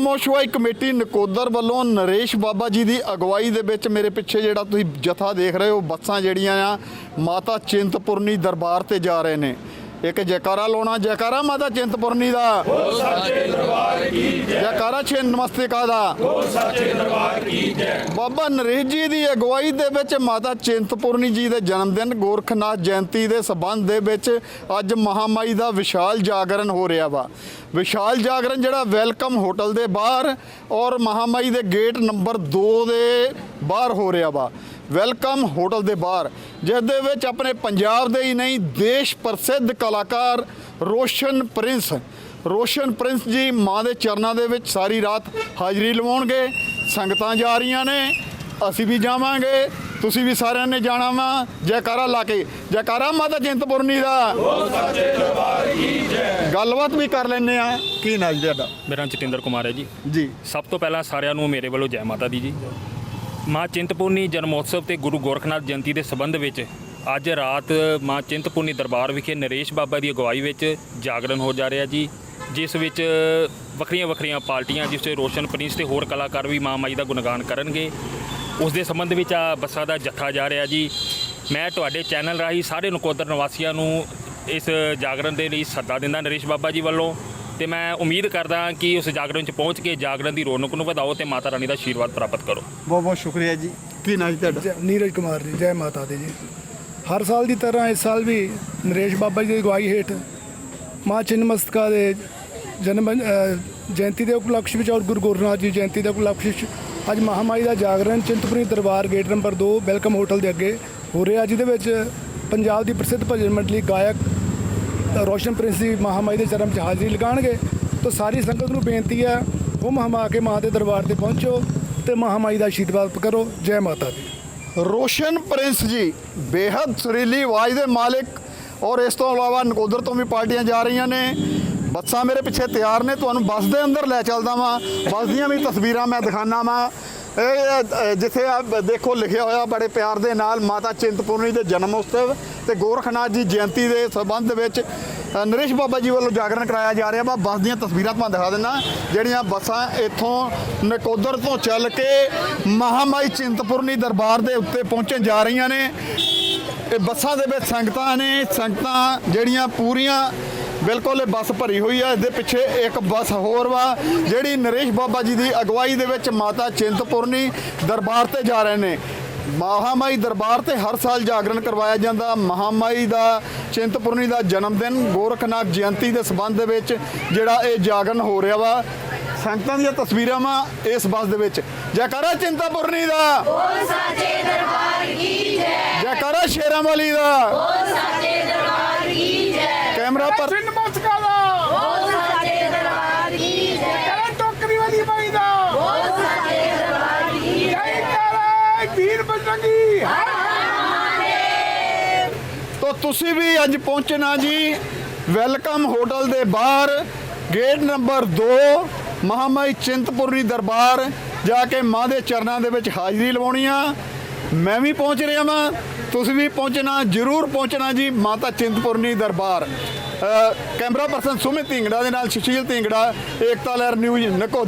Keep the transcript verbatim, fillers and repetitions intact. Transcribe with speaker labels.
Speaker 1: ਨਵਮੋਸ਼ਵਾਈ committee Nakodar ਵੱਲੋਂ ਨਰੇਸ਼ ਬਾਬਾ ਜੀ ਦੀ ਅਗਵਾਈ ਦੇ ਵਿੱਚ ਮੇਰੇ ਪਿੱਛੇ ਜਿਹੜਾ ਤੁਸੀਂ ਜਥਾ ਦੇਖ ਰਹੇ ਹੋ, ਬੱਸਾਂ ਜਿਹੜੀਆਂ ਆ ਮਾਤਾ ਚਿੰਤਪੁਰਨੀ ਦਰਬਾਰ ਤੇ ਜਾ ਰਹੇ ਨੇ। ਇੱਕ ਜੈਕਾਰਾ ਲਾਉਣਾ, ਜੈਕਾਰਾ ਮਾਤਾ ਚਿੰਤਪੁਰਨੀ ਦਾ,
Speaker 2: ਸੱਚੇ ਦਰਬਾਰ ਕੀ ਜੈ।
Speaker 1: ਜੈਕਾਰਾ ਛੇ ਨਮਸਤਿਕਾ ਦਾ,
Speaker 2: ਸੱਚੇ ਦਰਬਾਰ ਕੀ ਜੈ।
Speaker 1: ਬਾਬਾ ਨਰੇਸ਼ ਜੀ ਦੀ ਅਗਵਾਈ ਦੇ ਵਿੱਚ ਮਾਤਾ ਚਿੰਤਪੁਰਨੀ ਜੀ ਦੇ ਜਨਮ ਦਿਨ ਗੋਰਖਨਾਥ ਜਯੰਤੀ ਦੇ ਸਬੰਧ ਦੇ ਵਿੱਚ ਅੱਜ ਮਹਾਮਾਈ ਦਾ ਵਿਸ਼ਾਲ ਜਾਗਰਣ ਹੋ ਰਿਹਾ ਵਾ। ਵਿਸ਼ਾਲ ਜਾਗਰਣ ਜਿਹੜਾ ਵੈਲਕਮ ਹੋਟਲ ਦੇ ਬਾਹਰ ਔਰ ਮਹਾਮਾਈ ਦੇ ਗੇਟ ਨੰਬਰ ਦੋ ਦੇ ਬਾਹਰ ਹੋ ਰਿਹਾ ਵਾ। ਵੈਲਕਮ ਹੋਟਲ ਦੇ ਬਾਹਰ, ਜਿਸ ਦੇ ਵਿੱਚ ਆਪਣੇ ਪੰਜਾਬ ਦੇ ਹੀ ਨਹੀਂ ਦੇਸ਼ ਪ੍ਰਸਿੱਧ ਕਲਾਕਾਰ ਰੋਸ਼ਨ ਪ੍ਰਿੰਸ ਰੋਸ਼ਨ ਪ੍ਰਿੰਸ ਜੀ ਮਾਂ ਦੇ ਚਰਨਾਂ ਦੇ ਵਿੱਚ ਸਾਰੀ ਰਾਤ ਹਾਜ਼ਰੀ ਲਵਾਉਣਗੇ। ਸੰਗਤਾਂ ਜਾ ਰਹੀਆਂ ਨੇ, ਅਸੀਂ ਵੀ ਜਾਵਾਂਗੇ, ਤੁਸੀਂ ਵੀ ਸਾਰਿਆਂ ਨੇ ਜਾਣਾ ਵਾ। ਜੈਕਾਰਾ ਲਾ ਕੇ, ਜੈਕਾਰਾ ਮਾਤਾ ਚਿੰਤਪੁਰਨੀ ਦਾ,
Speaker 2: ਸੱਚੇ ਦਰਬਾਰ ਕੀ ਜੈ।
Speaker 1: ਗੱਲਬਾਤ ਵੀ ਕਰ ਲੈਂਦੇ ਆ। ਕੀ ਨਾਮ ਜੀ ਤੁਹਾਡਾ?
Speaker 3: ਮੇਰਾ ਨਾਮ ਜਤਿੰਦਰ ਕੁਮਾਰ ਹੈ ਜੀ।
Speaker 1: ਜੀ,
Speaker 3: ਸਭ ਤੋਂ ਪਹਿਲਾਂ ਸਾਰਿਆਂ ਨੂੰ ਮੇਰੇ ਵੱਲੋਂ ਜੈ ਮਾਤਾ ਦੀ ਜੀ। ਮਾਂ ਚਿੰਤਪੁਰਨੀ ਜਨਮੋਤਸਵ ਤੇ ਗੁਰੂ ਗੋਰਖਨਾਥ ਜਯੰਤੀ ਦੇ ਸੰਬੰਧ ਵਿੱਚ ਅੱਜ ਰਾਤ ਮਾਂ ਚਿੰਤਪੁਰਨੀ ਦਰਬਾਰ ਵਿਖੇ ਨਰੇਸ਼ ਬਾਬਾ ਦੀ ਅਗਵਾਈ ਵਿੱਚ ਜਾਗਰਣ ਹੋ ਜਾ ਰਿਹਾ ਜੀ, ਜਿਸ ਵਿੱਚ ਵੱਖਰੀਆਂ ਵੱਖਰੀਆਂ ਪਾਰਟੀਆਂ, ਜਿਸ 'ਚ ਰੋਸ਼ਨ ਪ੍ਰਿੰਸ ਤੇ ਹੋਰ ਕਲਾਕਾਰ ਵੀ ਮਾਂ ਮਾਈ ਦਾ ਗੁਣਗਾਨ ਕਰਨਗੇ। ਉਸ ਦੇ ਸੰਬੰਧ ਵਿੱਚ ਆ ਬੱਸਾਂ ਦਾ ਜੱਥਾ ਜਾ ਰਿਹਾ ਜੀ। ਮੈਂ ਤੁਹਾਡੇ ਚੈਨਲ ਰਾਹੀਂ ਸਾਰੇ ਨਕੋਦਰ ਨਿਵਾਸੀਆਂ ਨੂੰ ਇਸ ਜਾਗਰਣ ਦੇ ਲਈ ਸੱਦਾ ਦਿੰਦਾ ਨਰੇਸ਼ ਬਾਬਾ ਜੀ ਵੱਲੋਂ, ਤੇ ਮੈਂ ਉਮੀਦ ਕਰਦਾ ਕਿ ਉਸ ਜਾਗਰਣ 'ਚ ਪਹੁੰਚ ਕੇ ਜਾਗਰਣ ਦੀ ਰੌਣਕ ਨੂੰ ਵਧਾਓ ਤੇ ਮਾਤਾ ਰਾਣੀ ਦਾ ਆਸ਼ੀਰਵਾਦ ਪ੍ਰਾਪਤ ਕਰੋ।
Speaker 1: ਬਹੁਤ ਬਹੁਤ ਸ਼ੁਕਰੀਆ ਜੀ। ਕੀ ਨਾਮ ਜੀ ਤੁਹਾਡਾ?
Speaker 4: ਜੈ- ਨੀਰਜ ਕੁਮਾਰ ਜੀ। ਜੈ ਮਾਤਾ ਦੀ ਜੀ। ਹਰ ਸਾਲ ਦੀ ਤਰ੍ਹਾਂ ਇਸ ਸਾਲ ਵੀ ਨਰੇਸ਼ ਬਾਬਾ ਜੀ ਦੀ ਅਗਵਾਈ ਹੇਠ ਮਾਂ ਚਿੰਨਮਸਤਕਾ ਦੇ ਜਨਮ ਅ, ਜਯੰਤੀ ਦੇ ਉਪਲਕਸ਼ ਵਿੱਚ ਔਰ ਗੁਰੂ ਗੋਰਖਨਾਥ ਜੀ ਜਯੰਤੀ ਦੇ ਉਪਲਕਸ਼ ਵਿੱਚ ਅੱਜ ਮਹਾਮਾਈ ਦਾ ਜਾਗਰਣ ਚਿੰਤਪੁਰਨੀ ਦਰਬਾਰ ਗੇਟ ਨੰਬਰ ਦੋ ਵੈਲਕਮ ਹੋਟਲ ਦੇ ਅੱਗੇ ਹੋ ਰਿਹਾ, ਜਿਹਦੇ ਵਿੱਚ ਪੰਜਾਬ ਦੀ ਪ੍ਰਸਿੱਧ ਭਜਨ ਮੰਡਲੀ ਗਾਇਕ ਰੋਸ਼ਨ ਪ੍ਰਿੰਸ ਦੀ ਮਹਾਮਾਈ ਦੇ ਚਰਨ 'ਚ ਹਾਜ਼ਰੀ ਲਗਾਉਣਗੇ। ਤਾਂ ਸਾਰੀ ਸੰਗਤ ਨੂੰ ਬੇਨਤੀ ਹੈ, ਹੁਮ ਹਮਾ ਕੇ ਮਾਂ ਦੇ ਦਰਬਾਰ ਤੇ ਪਹੁੰਚੋ ਤੇ ਮਹਾਮਾਈ ਦਾ ਆਸ਼ੀਰਵਾਦ ਕਰੋ। ਜੈ ਮਾਤਾ ਦੀ।
Speaker 1: ਰੋਸ਼ਨ ਪ੍ਰਿੰਸ ਜੀ ਬੇਹੱਦ ਸੁਰੀਲੀ ਆਵਾਜ਼ ਦੇ ਮਾਲਿਕ, ਔਰ ਇਸ ਤੋਂ ਇਲਾਵਾ ਨਕੋਦਰ ਤੋਂ ਵੀ ਪਾਰਟੀਆਂ ਜਾ ਰਹੀਆਂ ਨੇ। ਬੱਸਾਂ ਮੇਰੇ ਪਿੱਛੇ ਤਿਆਰ ਨੇ, ਤੁਹਾਨੂੰ ਬੱਸ ਦੇ ਅੰਦਰ ਲੈ ਚੱਲਦਾ ਵਾਂ। ਬੱਸ ਦੀਆਂ ਵੀ ਤਸਵੀਰਾਂ ਮੈਂ ਦਿਖਾਣਾ ਵਾਂ। ਇਹ ਜਿੱਥੇ ਆ ਦੇਖੋ ਲਿਖਿਆ ਹੋਇਆ ਬੜੇ ਪਿਆਰ ਦੇ ਨਾਲ ਮਾਤਾ ਚਿੰਤਪੁਰਨੀ ਦੇ ਜਨਮ ਉਤਸਵ ਤੇ ਗੋਰਖਨਾਥ ਜੀ ਜਯੰਤੀ ਦੇ ਸੰਬੰਧ ਵਿੱਚ ਨਰੇਸ਼ ਬਾਬਾ ਜੀ ਵੱਲੋਂ ਜਾਗਰਣ ਕਰਾਇਆ ਜਾ ਰਿਹਾ ਵਾ। ਬੱਸ ਦੀਆਂ ਤਸਵੀਰਾਂ ਤੁਹਾਨੂੰ ਦਿਖਾ ਦਿੰਦਾ, ਜਿਹੜੀਆਂ ਬੱਸਾਂ ਇੱਥੋਂ ਨਕੋਦਰ ਤੋਂ ਚੱਲ ਕੇ ਮਹਾਮਾਈ ਚਿੰਤਪੁਰਨੀ ਦਰਬਾਰ ਦੇ ਉੱਤੇ ਪਹੁੰਚਣ ਜਾ ਰਹੀਆਂ ਨੇ। ਇਹ ਬੱਸਾਂ ਦੇ ਵਿੱਚ ਸੰਗਤਾਂ ਨੇ, ਸੰਗਤਾਂ ਜਿਹੜੀਆਂ ਪੂਰੀਆਂ ਬਿਲਕੁਲ ਇਹ ਬੱਸ ਭਰੀ ਹੋਈ ਹੈ। ਇਹਦੇ ਪਿੱਛੇ ਇੱਕ ਬੱਸ ਹੋਰ ਵਾ ਜਿਹੜੀ ਨਰੇਸ਼ ਬਾਬਾ ਜੀ ਦੀ ਅਗਵਾਈ ਦੇ ਵਿੱਚ ਮਾਤਾ ਚਿੰਤਪੁਰਨੀ ਦਰਬਾਰ ਤੇ ਜਾ ਰਹੇ ਨੇ। ਮਹਾਮਾਈ ਦਰਬਾਰ ਤੇ ਹਰ ਸਾਲ ਜਾਗਰਣ ਕਰਵਾਇਆ ਜਾਂਦਾ। ਮਹਾਮਾਈ ਦਾ ਚਿੰਤਪੁਰਨੀ ਦਾ ਜਨਮ ਦਿਨ ਗੋਰਖਨਾਥ ਜਯੰਤੀ ਦੇ ਸੰਬੰਧ ਦੇ ਵਿੱਚ ਜਿਹੜਾ ਇਹ ਜਾਗਰਣ ਹੋ ਰਿਹਾ ਵਾ। ਸੰਗਤਾਂ ਦੀਆਂ ਤਸਵੀਰਾਂ ਵਾ ਇਸ ਬੱਸ ਦੇ ਵਿੱਚ। ਜੈਕਾਰਾ ਚਿੰਤਪੁਰਨੀ ਦਾ,
Speaker 5: ਬੋਲ ਸੱਚੇ ਦਰਬਾਰ ਕੀ ਜੈ।
Speaker 1: ਜੈਕਾਰਾ ਸ਼ੇਰਾਂ ਵਾਲੀ ਦਾ,
Speaker 5: ਬੋਲ ਸੱਚੇ ਦਰਬਾਰ ਕੀ ਜੈ।
Speaker 1: ਕੈਮਰਾ ਪਰ
Speaker 4: ਨਮਸਕਾਰ ਦਾ।
Speaker 5: ਬੋਲ ਸੱਚੇ ਦਰਬਾਰ ਕੀ ਜੈ।
Speaker 4: ਟੋਕਰੀ ਵਾਲੀ ਬਾਈ ਦਾ।
Speaker 5: ਬੋਲ ਸੱਚੇ ਦਰਬਾਰ ਕੀ ਜੈ।
Speaker 4: ਜੈ ਕਰੇ ਵੀਰ ਬਜਰੰਗੀ।
Speaker 5: ਹਰ ਹਰ ਮਹਾਦੇਵ।
Speaker 1: ਤਾਂ ਤੁਸੀਂ ਵੀ ਅੱਜ ਪਹੁੰਚਣਾ ਜੀ ਵੈਲਕਮ ਹੋਟਲ ਦੇ ਬਾਹਰ ਗੇਟ ਨੰਬਰ ਦੋ ਮਹਾਮਾਈ ਚਿੰਤਪੁਰਨੀ ਦਰਬਾਰ ਜਾ ਕੇ ਮਾਂ ਦੇ ਚਰਨਾਂ ਦੇ ਵਿੱਚ ਹਾਜ਼ਰੀ ਲਵਾਉਣੀ ਆ। ਮੈਂ ਵੀ ਪਹੁੰਚ ਰਿਹਾ ਵਾਂ, ਤੁਸੀਂ ਵੀ ਪਹੁੰਚਣਾ, ਜ਼ਰੂਰ ਪਹੁੰਚਣਾ ਜੀ ਮਾਤਾ ਚਿੰਤਪੁਰਨੀ ਦਰਬਾਰ। ਕੈਮਰਾ ਪਰਸਨ ਸੁਮਿਤ ਢਿੰਗੜਾ ਦੇ ਨਾਲ ਸੁਸ਼ੀਲ ਢਿੰਗੜਾ, ਏਕਤਾ ਲਹਿਰ ਨਿਊਜ਼ ਨਕੋ।